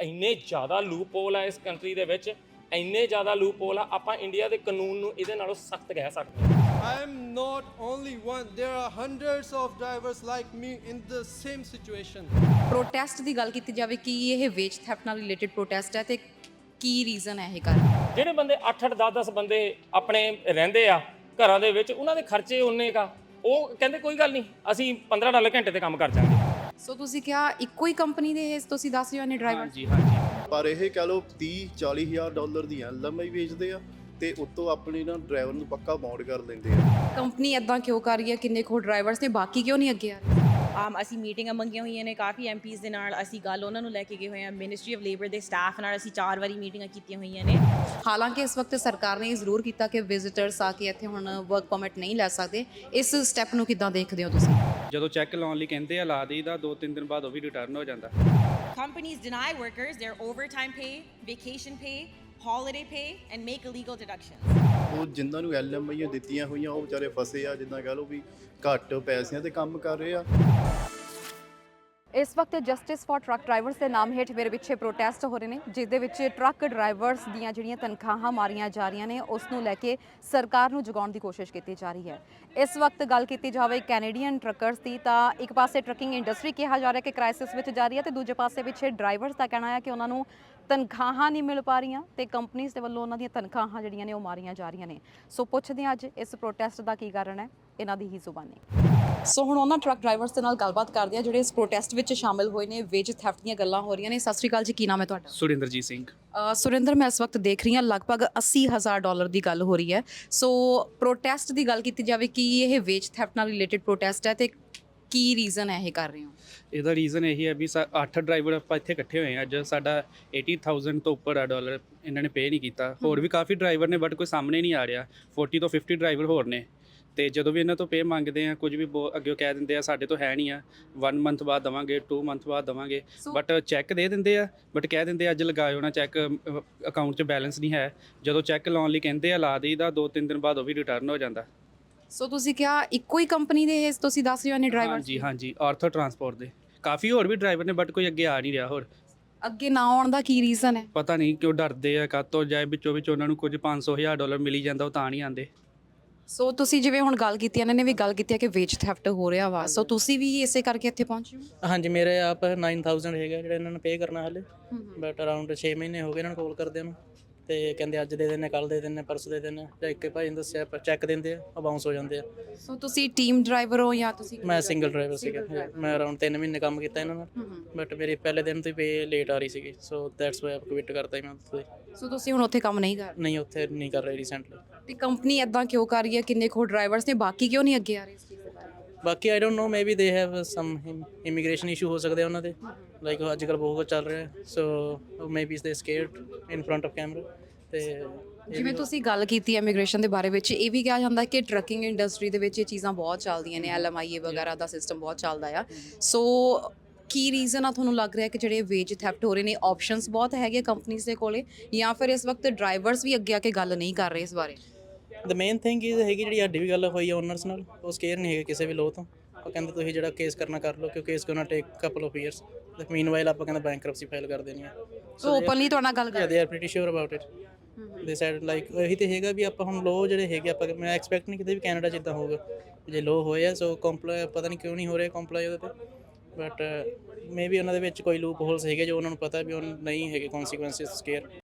ਇੰਨੇ ਜ਼ਿਆਦਾ ਲੂਪਹੋਲ ਆ ਇਸ ਕੰਟਰੀ ਦੇ ਵਿੱਚ, ਇੰਨੇ ਜ਼ਿਆਦਾ ਲੂਪਹੋਲ ਆ, ਆਪਾਂ ਇੰਡੀਆ ਦੇ ਕਾਨੂੰਨ ਨੂੰ ਇਹਦੇ ਨਾਲੋਂ ਸਖਤ ਕਹਿ ਸਕਦੇ ਹਾਂ। I am not only one. There are hundreds of drivers like me in the same situation. Protest ਦੀ ਗੱਲ ਕੀਤੀ ਜਾਵੇ ਕਿ ਇਹ ਵੇਜ ਥੈਫਟ ਨਾਲ ਰਿਲੇਟਡ ਪ੍ਰੋਟੈਸਟ ਹੈ ਤੇ ਕੀ ਰੀਜ਼ਨ ਹੈ ਇਹ ਕਾਰਨ? ਜਿਹੜੇ ਬੰਦੇ 8-8 10-10 ਬੰਦੇ ਆਪਣੇ ਰਹਿੰਦੇ ਆ ਘਰਾਂ ਦੇ ਵਿੱਚ, ਉਹਨਾਂ ਦੇ ਖਰਚੇ ਉਨੇ ਕਾ, ਉਹ ਕਹਿੰਦੇ ਕੋਈ ਗੱਲ ਨਹੀਂ ਅਸੀਂ $15 ਘੰਟੇ ਤੇ ਕੰਮ ਕਰ ਜਾਵਾਂਗੇ। ਸੋ ਤੁਸੀਂ ਕਿਹਾ ਇੱਕੋ ਹੀ ਕੰਪਨੀ ਦੇ ਇਹ ਤੁਸੀਂ ਦੱਸ ਰਹੇ ਹੋ ਨੇ ਡਰਾਈਵਰ? ਹਾਂਜੀ ਹਾਂਜੀ। ਪਰ ਇਹ ਕਹਿ ਲਓ $30-40,000 ਦੀਆਂ LMI ਵੇਚਦੇ ਆ ਤੇ ਉੱਤੋਂ ਆਪਣੇ ਨਾ ਡਰਾਈਵਰ ਨੂੰ ਪੱਕਾ ਬਾਉਂਡ ਕਰ ਲੈਂਦੇ ਆ। ਕੰਪਨੀ ਇਦਾਂ ਕਿਉਂ ਕਰ ਰਹੀ ਹੈ? ਕਿੰਨੇ ਖੋ ਡਰਾਈਵਰਸ ਨੇ, ਬਾਕੀ ਕਿਉਂ ਨਹੀਂ ਅੱਗੇ ਆ ਰਹੇ? ਅਸੀਂ ਮੀਟਿੰਗਾਂ ਮੰਗੀਆਂ ਹੋਈਆਂ ਨੇ ਕਾਫੀ MPs ਦੇ ਨਾਲ, ਅਸੀਂ ਗੱਲ ਉਹਨਾਂ ਨੂੰ ਲੈ ਕੇ ਗਏ ਹੋਏ ਹਾਂ। ਮਿਨਿਸਟਰੀ ਆਫ ਲੇਬਰ ਦੇ ਸਟਾਫ ਨਾਲ ਅਸੀਂ 4 ਵਾਰੀ ਮੀਟਿੰਗਾਂ ਕੀਤੀਆਂ ਹੋਈਆਂ ਨੇ। ਹਾਲਾਂਕਿ ਇਸ ਵਕਤ ਸਰਕਾਰ ਨੇ ਇਹ ਜ਼ਰੂਰ ਕੀਤਾ ਕਿ ਵਿਜ਼ਿਟਰਸ ਆ ਕੇ ਇੱਥੇ ਹੁਣ ਵਰਕ ਪਰਮਿਟ ਨਹੀਂ ਲੈ ਸਕਦੇ। ਇਸ ਸਟੈਪ ਨੂੰ ਕਿੱਦਾਂ ਦੇਖਦੇ ਹੋ ਤੁਸੀਂ? ਜਦੋਂ ਚੈੱਕ ਲਾਉਣ ਲਈ ਕਹਿੰਦੇ ਆ ਲਾ ਦੇਈਦਾ, 2-3 ਦਿਨ ਬਾਅਦ ਉਹ ਵੀ ਰਿਟਰਨ ਹੋ ਜਾਂਦਾ। Companies deny workers their overtime pay, vacation pay, holiday pay and make illegal deductions. ਉਹ ਜਿਨ੍ਹਾਂ ਨੂੰ LMI ਦਿੱਤੀਆਂ ਹੋਈਆਂ ਉਹ ਵਿਚਾਰੇ ਫਸੇ ਆ, ਜਿੱਦਾਂ ਕਹਿ ਲਓ ਵੀ ਘੱਟ ਪੈਸਿਆਂ ਤੇ ਕੰਮ ਕਰ ਰਹੇ ਆ। ਇਸ ਵਕਤ ਜਸਟਿਸ ਫॉर ਟਰੱਕ ਡਰਾਈਵਰਸ ਦੇ ਨਾਮ ਹੇਠ ਮੇਰੇ ਪਿੱਛੇ ਪ੍ਰੋਟੈਸਟ ਹੋ ਰਹੇ ਨੇ, ਜਿਸ ਦੇ ਵਿੱਚ ਟਰੱਕ ਡਰਾਈਵਰਸ ਦੀਆਂ ਜਿਹੜੀਆਂ ਤਨਖਾਹਾਂ ਮਾਰੀਆਂ ਜਾ ਰਹੀਆਂ ਨੇ ਉਸ ਨੂੰ ਲੈ ਕੇ ਸਰਕਾਰ ਨੂੰ ਜਗਾਉਣ ਦੀ ਕੋਸ਼ਿਸ਼ ਕੀਤੀ ਜਾ ਰਹੀ ਹੈ। ਇਸ ਵਕਤ ਗੱਲ ਕੀਤੀ ਜਾਵੇ ਕੈਨੇਡੀਅਨ ਟਰੱਕਰਸ ਦੀ, ਤਾਂ ਇੱਕ ਪਾਸੇ ਟਰੱਕਿੰਗ ਇੰਡਸਟਰੀ ਕਿਹਾ ਜਾ ਰਿਹਾ ਕਿ ਕ੍ਰਾਈਸਿਸ ਵਿੱਚ ਜਾ ਰਹੀ ਹੈ ਤੇ ਦੂਜੇ ਪਾਸੇ ਪਿੱਛੇ ਡਰਾਈਵਰਸ ਦਾ ਕਹਿਣਾ ਹੈ ਕਿ ਉਹਨਾਂ ਨੂੰ ਤਨਖਾਹਾਂ ਨਹੀਂ ਮਿਲ ਪਾ ਰਹੀਆਂ ਤੇ ਕੰਪਨੀਆਂ ਦੇ ਵੱਲੋਂ ਉਹਨਾਂ ਦੀਆਂ ਤਨਖਾਹਾਂ ਜਿਹੜੀਆਂ ਨੇ ਉਹ ਮਾਰੀਆਂ ਜਾ ਰਹੀਆਂ ਨੇ। ਸੋ ਪੁੱਛਦੇ ਹਾਂ ਅੱਜ ਇਸ ਪ੍ਰੋਟੈਸਟ ਦਾ ਕੀ ਕਾਰਨ ਹੈ, ਇਹਨਾਂ ਦੀ ਹੀ ਜ਼ੁਬਾਨੀ। ਸੋ ਹੁਣ ਉਹਨਾਂ ਟਰੱਕ ਡਰਾਈਵਰਸ ਦੇ ਨਾਲ ਗੱਲਬਾਤ ਕਰਦੇ ਆ ਜਿਹੜੇ ਇਸ ਪ੍ਰੋਟੈਸਟ ਵਿੱਚ ਸ਼ਾਮਿਲ ਹੋਏ ਨੇ। ਵੇਜ ਥੈਫਟ ਦੀਆਂ ਗੱਲਾਂ ਹੋ ਰਹੀਆਂ ਨੇ। ਸਤਿ ਸ਼੍ਰੀ ਅਕਾਲ ਜੀ, ਕੀ ਨਾਮ ਹੈ ਤੁਹਾਡਾ? ਸੁਰਿੰਦਰਜੀਤ ਸਿੰਘ। ਸੁਰਿੰਦਰ, ਮੈਂ ਇਸ ਵਕਤ ਦੇਖ ਰਹੀ ਹਾਂ ਲਗਭਗ $80,000 ਦੀ ਗੱਲ ਹੋ ਰਹੀ ਹੈ। ਸੋ ਪ੍ਰੋਟੈਸਟ ਦੀ ਗੱਲ ਕੀਤੀ ਜਾਵੇ ਕਿ ਇਹ ਵੇਜ ਥੈਫਟ ਨਾਲ ਰਿਲੇਟਡ ਪ੍ਰੋਟੈਸਟ ਹੈ ਤੇ ਕੀ ਰੀਜ਼ਨ ਹੈ ਇਹ ਕਰ ਰਹੇ ਹੋ? ਇਹਦਾ ਰੀਜ਼ਨ ਇਹੀ ਹੈ ਵੀ 8 ਡਰਾਈਵਰ ਆਪਾਂ ਇੱਥੇ ਇਕੱਠੇ ਹੋਏ ਆ ਅੱਜ। ਸਾਡਾ 80,000 ਤੋਂ ਉੱਪਰ ਆ ਡਾਲਰ ਇਹਨਾਂ ਨੇ ਪੇ ਨਹੀਂ ਕੀਤਾ। ਹੋਰ ਵੀ ਕਾਫੀ ਡਰਾਈਵਰ ਨੇ ਬਟ ਕੋਈ ਸਾਹਮਣੇ ਨਹੀਂ ਆ ਰਿਹਾ। 40 ਤੋਂ 50 ਡਰਾਈਵਰ ਹੋਰ ਨੇ ਤੇ ਜਦੋਂ ਵੀ ਇਹਨਾਂ ਤੋਂ ਪੇ ਮੰਗਦੇ ਆ ਕੁਝ ਵੀ ਅੱਗੇ ਕਹਿ ਦਿੰਦੇ ਆ ਸਾਡੇ ਤੋਂ ਹੈ ਨਹੀਂ ਆ, 1 ਮੰਥ ਬਾਅਦ ਦੇਵਾਂਗੇ, 2 ਮੰਥ ਬਾਅਦ ਦੇਵਾਂਗੇ। ਬਟ ਚੈੱਕ ਦੇ ਦਿੰਦੇ ਆ, ਬਟ ਕਹਿ ਦਿੰਦੇ ਅੱਜ ਲਗਾਇਓ ਨਾ ਚੈੱਕ, ਅਕਾਊਂਟ 'ਚ ਬੈਲੈਂਸ ਨਹੀਂ ਹੈ। ਜਦੋਂ ਚੈੱਕ ਲਾਉਣ ਲਈ ਕਹਿੰਦੇ ਆ ਲਾ ਦੇਈਦਾ, 2-3 ਦਿਨ ਬਾਅਦ ਉਹ ਵੀ ਰਿਟਰਨ ਹੋ ਜਾਂਦਾ। ਸੋ ਤੁਸੀਂ ਕਿਹਾ ਇੱਕੋ ਹੀ ਕੰਪਨੀ ਦੇ ਤੁਸੀਂ ਦੱਸ ਰਹੇ ਹੋ ਨੇ ਡਰਾਈਵਰ? ਹਾਂਜੀ ਹਾਂਜੀ, ਆਰਥੋ ਟਰਾਂਸਪੋਰਟ ਦੇ ਕਾਫੀ ਹੋਰ ਵੀ ਡਰਾਈਵਰ ਨੇ ਬਟ ਕੋਈ ਅੱਗੇ ਆ ਨਹੀਂ ਰਿਹਾ। ਹੋਰ ਅੱਗੇ ਨਾ ਆਉਣ ਦਾ ਕੀ ਰੀਜ਼ਨ ਹੈ? ਪਤਾ ਨਹੀਂ ਕਿਉਂ ਡਰਦੇ ਆ, ਕਾਹਤੋਂ ਜਾਏ ਵਿੱਚੋਂ ਉਹਨਾਂ ਨੂੰ ਕੁਝ $500,000 ਮਿਲੀ ਜਾਂਦਾ, ਉਹ ਤਾਂ ਨਹੀਂ ਆਉਂਦੇ। ਸੋ ਤੁਸੀਂ ਜਿਵੇਂ ਹੁਣ ਗੱਲ ਕੀਤੀ, ਇਹਨਾਂ ਨੇ ਵੀ ਗੱਲ ਕੀਤੀ ਹੈ ਕਿ ਵੇਜ ਥੈਫਟ ਹੋ ਰਿਹਾ ਵਾ, ਸੋ ਤੁਸੀਂ ਵੀ ਇਸੇ ਕਰਕੇ ਇੱਥੇ ਪਹੁੰਚੇ ਹੋ? ਹਾਂਜੀ, ਮੇਰੇ ਆਪ 9,000 ਹੈਗਾ ਜਿਹੜਾ ਇਹਨਾਂ ਨੂੰ ਪੇ ਕਰਨਾ ਹਾਲੇ, ਬਟ ਅਰਾਊਂਡ 6 ਮਹੀਨੇ ਹੋ ਗਏ ਇਹਨਾਂ ਨੂੰ ਕਾਲ ਕਰਦੇ ਨੂੰ ਤੇ ਕਹਿੰਦੇ ਅੱਜ ਦੇ ਦਿੰਦੇ, ਕੱਲ ਦੇ ਦਿੰਦੇ, ਪਰਸੋਂ ਦੇ ਦਿੰਦੇ। ਜਾਂ ਇੱਕ ਭਾਈ ਨੇ ਦੱਸਿਆ ਚੈੱਕ ਦਿੰਦੇ ਆ, ਉਹ ਬਾਉਂਸ ਹੋ ਜਾਂਦੇ ਆ। ਸੋ ਤੁਸੀਂ ਟੀਮ ਡਰਾਈਵਰ ਹੋ ਜਾਂ ਤੁਸੀਂ? ਮੈਂ ਸਿੰਗਲ ਡਰਾਈਵਰ ਸੀਗਾ। ਮੈਂ ਅਰਾਊਂਡ 3 ਮਹੀਨੇ ਕੰਮ ਕੀਤਾ ਇਹਨਾਂ ਨਾਲ, ਬਟ ਮੇਰੇ ਪਹਿਲੇ ਦਿਨ ਤੋਂ ਹੀ ਪੇ ਲੇਟ ਆ ਰਹੀ ਸੀਗੀ। ਸੋ ਦੈਟਸ ਵਾਈ ਆਪ ਕੁਇਟ ਕਰਤਾ ਮੈਂ ਉੱਥੇ। ਸੋ ਤੁਸੀਂ ਹੁਣ ਉੱਥੇ ਕੰਮ ਨਹੀਂ ਕਰ ਰਹੇ? ਨਹੀਂ, ਉੱਥੇ ਨਹੀਂ ਕਰ ਰਹੀ ਰੀਸੈਂਟਲੀ। ਤੇ ਕੰਪਨੀ ਇਦਾਂ ਕਿਉਂ ਕਰ ਰਹੀ ਹੈ? ਕਿੰਨੇ ਖੋ ਡਰਾਈਵਰਸ ਨੇ, ਬਾਕੀ ਕਿਉਂ ਨਹੀਂ ਅੱਗੇ ਆ ਰਹੇ ਇਸ ਚੀਜ਼ ਦੇ ਬਾਰੇ? ਬਾਕੀ I don't know, maybe they have some immigration issue ਹੋ ਸਕਦੇ ਉਹਨਾਂ ਦੇ, ਲਾਈਕ ਅੱਜ ਕੱਲ੍ਹ ਬਹੁਤ ਕੁਝ ਚੱਲ ਰਿਹਾ। So maybe they scared in front of camera. ਤੇ ਜਿਵੇਂ ਤੁਸੀਂ ਗੱਲ ਕੀਤੀ ਇਮੀਗ੍ਰੇਸ਼ਨ ਦੇ ਬਾਰੇ ਵਿੱਚ, ਇਹ ਵੀ ਕਿਹਾ ਜਾਂਦਾ ਕਿ ਟਰੱਕਿੰਗ ਇੰਡਸਟਰੀ ਦੇ ਵਿੱਚ ਇਹ ਚੀਜ਼ਾਂ ਬਹੁਤ ਚੱਲਦੀਆਂ ਨੇ, LMIA ਵਗੈਰਾ ਦਾ ਸਿਸਟਮ ਬਹੁਤ ਚੱਲਦਾ ਆ। ਸੋ ਕੀ ਰੀਜ਼ਨ ਆ ਤੁਹਾਨੂੰ ਲੱਗ ਰਿਹਾ ਕਿ ਜਿਹੜੇ ਵੇਜ ਥੈਫਟ ਹੋ ਰਹੇ ਨੇ? ਆਪਸ਼ਨਸ ਬਹੁਤ ਹੈਗੇ ਕੰਪਨੀਆਂ ਦੇ ਕੋਲੇ, ਜਾਂ ਫਿਰ ਇਸ ਵਕਤ ਡਰਾਈਵਰਸ ਵੀ ਅੱਗੇ ਆ ਕੇ ਗੱਲ ਨਹੀਂ ਕਰ ਰਹੇ ਇਸ ਬਾਰੇ? ਦ ਮੇਨ ਥਿੰਗ ਇਹ ਹੈਗੀ ਜਿਹੜੀ ਸਾਡੀ ਵੀ ਗੱਲ ਹੋਈ ਹੈ ਓਨਰਸ ਨਾਲ, ਉਹ ਸਕੇਅਰ ਨਹੀਂ ਹੈਗੇ ਕਿਸੇ ਵੀ ਲੋਅ ਤੋਂ। ਉਹ ਕਹਿੰਦੇ ਤੁਸੀਂ ਜਿਹੜਾ ਕੇਸ ਕਰਨਾ ਕਰ ਲਓ, ਕਿਉਂਕਿ ਇਸ gonna take couple of years. Meanwhile ਆਪਾਂ ਕਹਿੰਦੇ ਬੈਂਕਰਪਸੀ ਫਾਈਲ ਕਰ ਦੇਣੀ ਹੈ। ਸੋ ਓਪਨਲੀ ਤੁਹਾਡੇ ਨਾਲ ਗੱਲ ਕਰ they are pretty sure about it. ਦੇ ਸਾਈਡ ਲਾਈਕ ਇਹੀ ਤੇ ਹੈਗਾ ਵੀ ਆਪਾਂ ਹੁਣ ਲੋਅ ਜਿਹੜੇ ਹੈਗੇ ਆਪਾਂ, ਮੈਂ ਐਕਸਪੈਕਟ ਨਹੀਂ ਕਿਤੇ ਵੀ ਕੈਨੇਡਾ 'ਚ ਇੱਦਾਂ ਹੋਊਗਾ ਜੇ ਲੋਅ ਹੋਏ ਆ। ਸੋ ਕੰਪਲਾਈ ਪਤਾ ਨਹੀਂ ਕਿਉਂ ਨਹੀਂ ਹੋ ਰਿਹਾ ਕੰਪਲਾਈ ਉਹਦੇ 'ਤੇ, ਬਟ ਮੇਬੀ ਉਹਨਾਂ ਦੇ ਵਿੱਚ ਕੋਈ ਲੂਪ ਹੋਲਸ ਹੈਗੇ ਜੋ ਉਹਨਾਂ ਨੂੰ ਪਤਾ ਵੀ ਉਹ ਨਹੀਂ ਹੈਗੇ ਕੌਨਸੀਕੁਐਂਸਿਸ ਸਕੇਅਰ।